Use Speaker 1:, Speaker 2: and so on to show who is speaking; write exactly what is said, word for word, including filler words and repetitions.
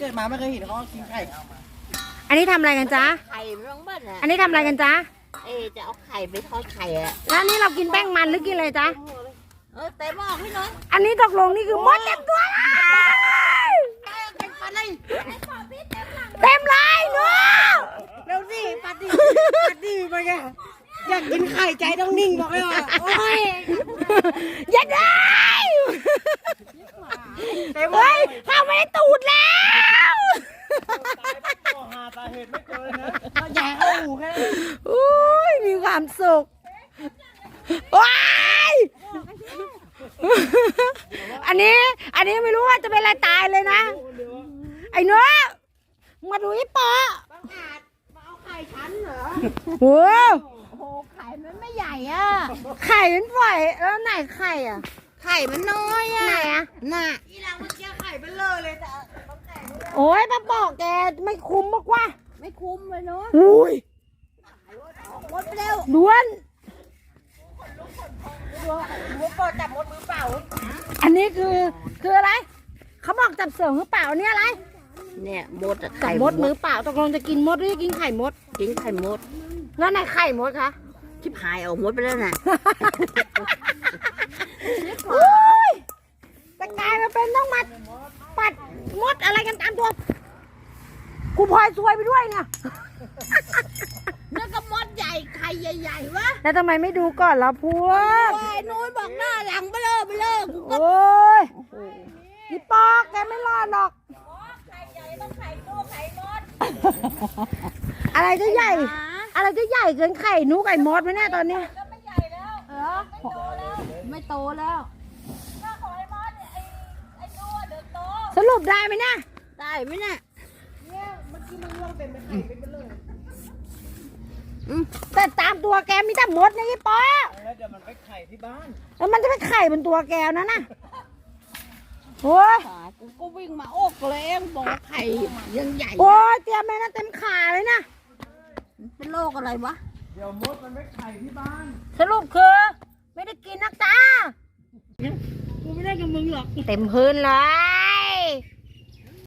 Speaker 1: ดมาไม่เคยเห็นเขากินไข่
Speaker 2: อันนี้ทำอะไรกันจ๊ะ
Speaker 3: ไข่มันต้องเบิ้ลอ่ะ
Speaker 2: อันนี้ทำอะไรกันจ๊ะ
Speaker 3: เอ๊จะเอาไข่ไปทอดไข่อ่ะ
Speaker 2: แล้วอันนี้เรากินแป้งมันหรือกินอะไรจ๊ะ
Speaker 3: เออเต็มหม้อพี่น้อย
Speaker 2: อันนี้ตกลงนี่คือมดเต็มตัวเลยเต็มเลยเนาะ
Speaker 1: เร็วสิปัดดิปัดดิไปแกอยากกินไข่ใจต้องนิ่งบอกเลยว่าโอ้ย
Speaker 2: อย่าได้เฮ้ยเข้าไม่ได้ตูดแล้ว
Speaker 1: หาสาเหตุไม่เจอนะใหญ่เข้าหูแค่
Speaker 2: อุ้ยมีความสุขว้ายอันนี้อันนี้ไม่รู้ว่าจะเป็นอะไรตายเลยนะไอ้เนื้อมาดูไอ้ปอ
Speaker 3: มาเอาไข่ฉันเหรอ
Speaker 2: โอ้
Speaker 3: โอ้โหไข่มันไม่ใหญ่อ่ะ
Speaker 2: ไข่มันปล่อยแล้วไหนไข่อ่ะ
Speaker 3: ไข่มันน้อยอ่ะ
Speaker 2: ไหนอ่ะ
Speaker 3: น่ะ
Speaker 1: อีหลังมันเจอไข่เบลเลอเลยแต่
Speaker 2: โอ้ยป้าบอกแกไม่คุ้มมากว่า
Speaker 3: ไม่คุ้มเลยเนาะ
Speaker 2: อุ้ย
Speaker 3: หมดไปเร็ว
Speaker 2: ล้วน
Speaker 1: หัวปอดจับมดมือเปล่า
Speaker 2: อันนี้คือคืออะไรเขาบอกจับเสือมือเปล่าเนี่ยอะไร
Speaker 3: เนี่ยมดอะ
Speaker 2: จั
Speaker 3: ไข่
Speaker 2: บมดมือเปล่าตกลงจะกินมดหรือจะกินไข่มด
Speaker 3: กินไข่มด
Speaker 2: แล้วไหนไข่มดคะ
Speaker 3: ชิบหายเอามดไปแล้วน่ะ
Speaker 2: อุ้ยแต่กลายมาเป็นต้องมาปัดมดอะไรกันตามตัวกูพลอยซวยไปด้วยเนี่ย
Speaker 3: แล้วก็มดใหญ่ไข่ใหญ่ๆวะ
Speaker 2: แล้วทำไมไม่ดูก่อนล่ะพวก
Speaker 3: โอ้ยนู้นบอกหน้าหลังไปเลยไปเลยกูก็
Speaker 2: โอ้ยพี่ปอกแกไม่รอดหรอก
Speaker 3: ไข่ใหญ่ต้องไข่ตัวไข่มด
Speaker 2: อะไรจะใหญ่ อะไรจะใหญ่เกินไข่หนูไก่มดไหมเนี่ยตอนเนี้ย
Speaker 3: ก็ไม่ใหญ่แล้วเออไม่โตแล้วไม่โตแล้วถ้าขอไอ้มดไอ้ไอ้ดูเดี๋ยวโต
Speaker 2: สรุปได้ไหมเนี่ย
Speaker 3: ได้ไหมเนี่ย
Speaker 1: เนี่ยเมื่อกี้มันร่วงเต็มไปไข่เป็นเบลเลอ
Speaker 2: แต่ตามตัวแกมีแต่มดนะพี่ปอ
Speaker 1: แล้วเดี๋ยวมันไปไข่ที่บ้าน
Speaker 2: แล้วมันจะไปไข่บนตัวแกนั่นน่ะโอ้ย
Speaker 3: ตายกูก็วิ่งมาโอกเลยบอกว่าไข่ยังใหญ่
Speaker 2: โอ้ยเตรียมเลยนะเต็มขาเลยนะ
Speaker 3: เป็นโรคอะไรวะ
Speaker 1: เดี๋ยวมดมันไปไข่ที่บ้าน
Speaker 2: สรุปคือไม่ได้กินนักจ้า
Speaker 1: กูไม่ได้กับมึงหรอก
Speaker 2: เต็มพื้นเลย